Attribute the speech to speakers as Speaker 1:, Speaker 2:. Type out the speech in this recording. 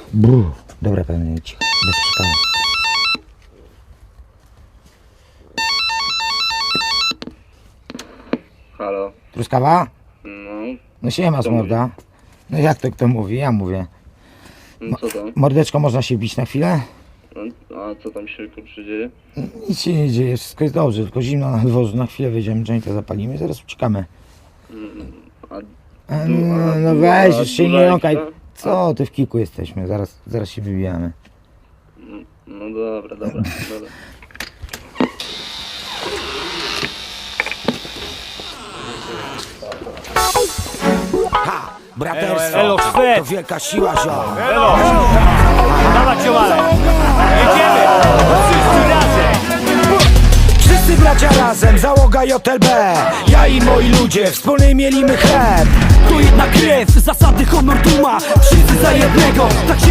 Speaker 1: Dobra, pewnie cicho, bez przykładu.
Speaker 2: Halo?
Speaker 1: Truskawa?
Speaker 2: No,
Speaker 1: No siema,
Speaker 2: Kto
Speaker 1: morda. No jak to kto mówi? Ja mówię.
Speaker 2: no co tam?
Speaker 1: Mordeczko, można się bić na chwilę?
Speaker 2: No, a co tam się kurczę dzieje?
Speaker 1: Nic się nie dzieje, wszystko jest dobrze, tylko zimno na dworzu, na chwilę wyjdziemy, jointa zapalimy, zaraz uciekamy. No weź, już się nie jąkaj. Co, ty w kilku jesteśmy, zaraz się wybijamy.
Speaker 2: No dobra, dobra.
Speaker 1: Ha! Braterstwo,
Speaker 3: Elo, Szwed!
Speaker 1: to wielka siła, ziom.
Speaker 3: Elo! Dawać ziomale! Jedziemy! Wszyscy razem!
Speaker 1: Wszyscy bracia razem, załoga JLB. Ja i moi ludzie, wspólny mielimy chleb.
Speaker 4: To jedna krew, zasady honor duma. Wszyscy za jednego, tak się